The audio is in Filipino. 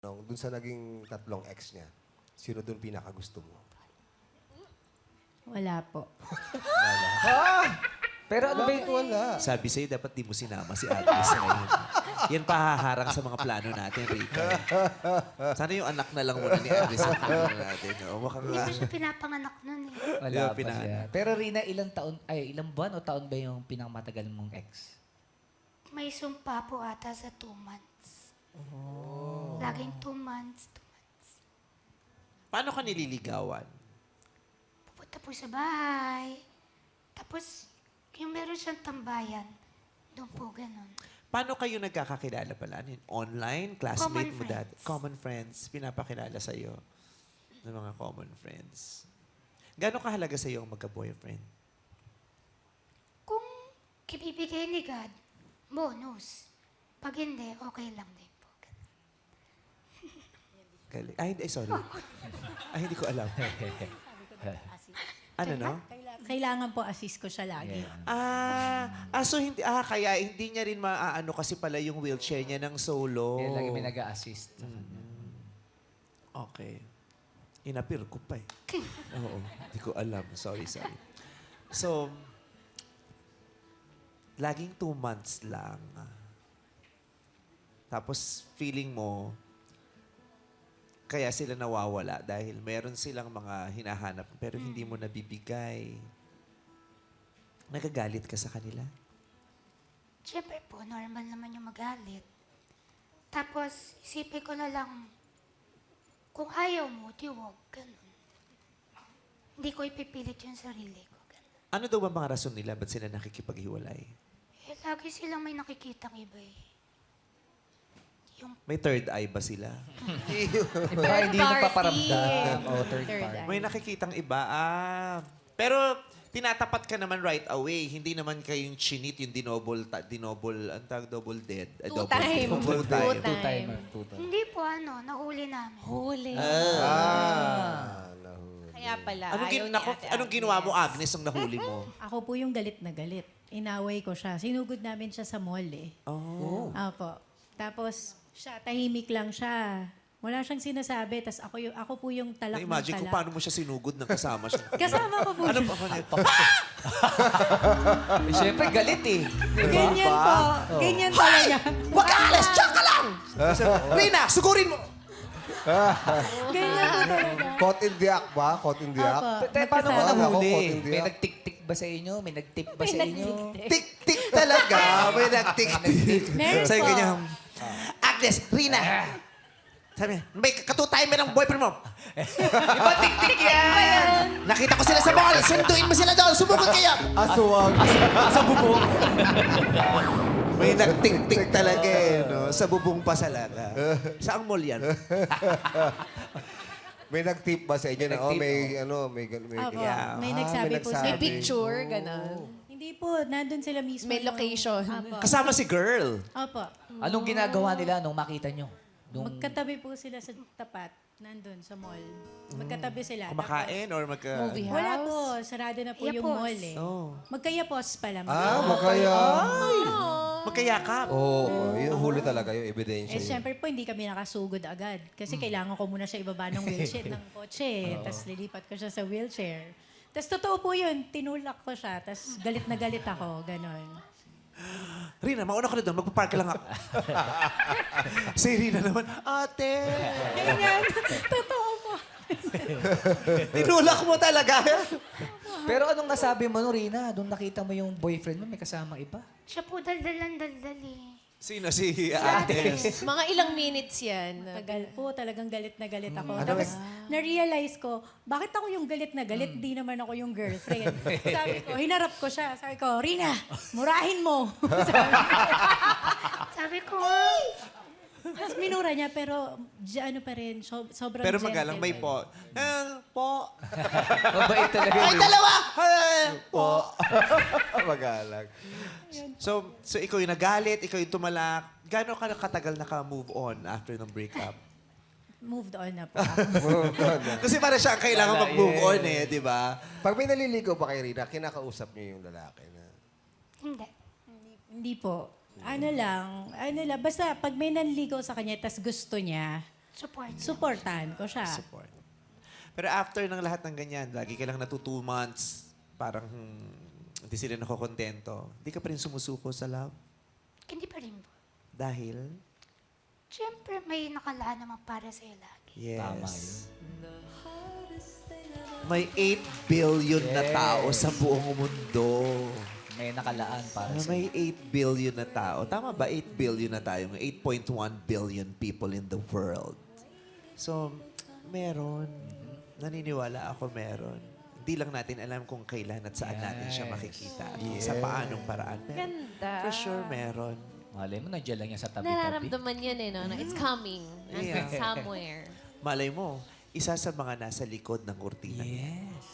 Dun sa naging tatlong ex niya, sino dun pinakagusto mo? Wala po. Pero ano ba Bakit yung... wala? Sabi sa'yo, dapat di mo sinama si Agnes ngayon. Yan pahaharang sa mga plano natin, Rika. Sana yung anak na lang muna ni Agnes sa plano natin. O, mukhang Hindi ko siya pinapanganak nun eh. Wala Yung pa pinaan. siya. Pero Rina, ilang buwan o taon ba yung pinakamatagal mong ex? May sumpa po ata sa 2 months. Laging 2 months, 2 months. Paano ka nililigawan? Pupunta po sa bahay. Tapos, yung meron siyang tambayan, doon po ganun. Paano kayo nagkakakilala pala? Ano yun? Online? Classmate Common mo dati? friends. Common friends. Pinapakilala sa'yo ng mga common friends. Gano'ng kahalaga sa'yo ang magka-boyfriend? Kung kibibigay ni God, bonus. Pag hindi, okay lang din po. Ganun. Galing. Ay, hindi. Sorry. Ay, hindi ko alam. Ano, no? Kailangan po assist ko siya lagi. So hindi, kaya hindi niya rin maaano kasi pala yung wheelchair niya ng solo. Kaya lagi may nag-a-assist sa kanya. Okay. Inapir ko pa eh. Oo, hindi ko alam. Sorry. So, laging 2 months lang. Tapos, feeling mo, kaya sila nawawala dahil meron silang mga hinahanap pero hindi mo nabibigay. Nagagalit ka sa kanila? Siyempre po, normal naman yung magalit. Tapos, isipin ko na lang, kung ayaw mo, di wag. Ganun. Hindi ko ipipilit yung sarili ko. Ganun. Ano daw ba mga rason nila? Ba't sila nakikipaghiwalay? Eh, lagi silang may nakikitang iba eh. Yung May third eye ba sila? Iba hindi nagpaparamdam. O third party. May nakikitang iba. Pero tinatapat ka naman right away. Hindi naman kayong chinit, yung dinoble, ang tawag double dead. Two time. Double time. Two-timer. hindi po nahuli namin. Huli. Nahuli. Kaya pala, Anong ginawa mo, Agnes, ang nahuli mo? Ako po yung galit na galit. Inaway ko siya. Sinugod namin siya sa mall eh. Oh. Opo. Tapos, tahimik lang siya. Wala siyang sinasabi. Tapos ako po yung talak ng Na-imagine ko talak. paano mo siya sinugod ng kasama siya. Kasama ko po Ano siya. ba kanya? Eh, Siyempre, galit eh. Ganyan po. Ganyan talaga. Wag ka alas! Diyan ka lang! Rina, sugurin mo! Ganyan po talaga. Caught in the act ba? Caught in the act? Opo. Pero paano mo Magkasama. Ako, nahuli? konting May diyak. nagtik-tik ba sa inyo? May nag-tip ba sa inyo? Tik-tik talaga. May nagtik-tik. Meron Sabi po. ganyan, Agnes, Rina. Sabi niya, may katutimer ng boyfriend mo. Iba tik-tik yan! Nakita ko sila sa mall. Sunduin mo sila doon. Sumugod kayo. Aswang. Sa bubong. May nagtik-tik talaga eh. No? Sa bubong pa salaga. Saang mall yan? May nag-tip ba sa inyo na, May may Opo. Yeah. May nagsabi po sa... May picture, gano'n. Hindi po. Nandun sila mismo. May location. Opo. Kasama si girl. Opo. Anong ginagawa nila nung makita nyo? Magkatabi po sila sa tapat. Nandun sa mall. Magkatabi sila. Kumakain or magka... Movie Tapos, wala house. po. Sarado na po yung Yapos. mall eh. Oh. Magkayapos pala. Makaya. Magkayakap. Oo, yung huli talaga, yung ebidensya. Eh, syempre po, hindi kami nakasugod agad. Kasi kailangan ko muna siya ibaba ng wheelchair ng kotse. Tapos lilipat ko siya sa wheelchair. Tapos totoo po yun, tinulak ko siya. Tapos galit na galit ako, ganon. Rina, mauna ka na doon. Magpapark lang ako. Si Rina naman, ate. Ganyan, totoo po. Tinulak mo talaga. Pero anong nasabi mo no, Rina? Doon nakita mo yung boyfriend mo, may kasama iba. Siya po daldalan eh. Sino si Agnes? Mga ilang minutes yan. Tagal po, talagang galit na galit ako. Tapos na-realize ko, bakit ako yung galit na galit? Di naman ako yung girlfriend. Sabi ko, hinarap ko siya. Sabi ko, Rina, murahin mo. Sabi ko, Tapos minura niya, pero ano pa rin, sobrang Pero gentle. magalang may po. Po. Mabait talaga. Ay, dalawa! Po. Magalang. So ikaw yung nagalit, ikaw yung tumalak. Gano'n ka katagal naka-move on after ng breakup? Moved on na po. Kasi para siya ang kailangan mag-move on eh, di ba? Pag may naliligaw pa kay Rina, kinakausap niyo yung lalaki na. hindi. Hindi po. Ano lang, basta pag may nanligaw sa kanya, tas gusto niya, Support. Supportahan ko siya. Support. Pero after ng lahat ng ganyan, lagi ka lang 2 months, parang hindi sila nakokontento. Hindi ka pa rin sumusuko sa love? Hindi pa rin po. Dahil? Siyempre, may nakalaan naman para sa'yo lagi. Yes. Tama yun. May 8 billion na Yes. tao sa buong mundo. May nakalaan para sa May 8 billion na tao. Tama ba? 8 billion na tayo. 8.1 billion people in the world. So, meron. Naniniwala ako meron. Hindi lang natin alam kung kailan at saan natin siya makikita. At kung sa paanong paraan. Pero Ganda. for sure, meron. Malay mo, nandiyan lang yan sa tabi-tabi. Nararamdaman yun eh, no? Na it's coming. Yeah. Nandun somewhere. Malay mo, isa sa mga nasa likod ng kurtina. Yes.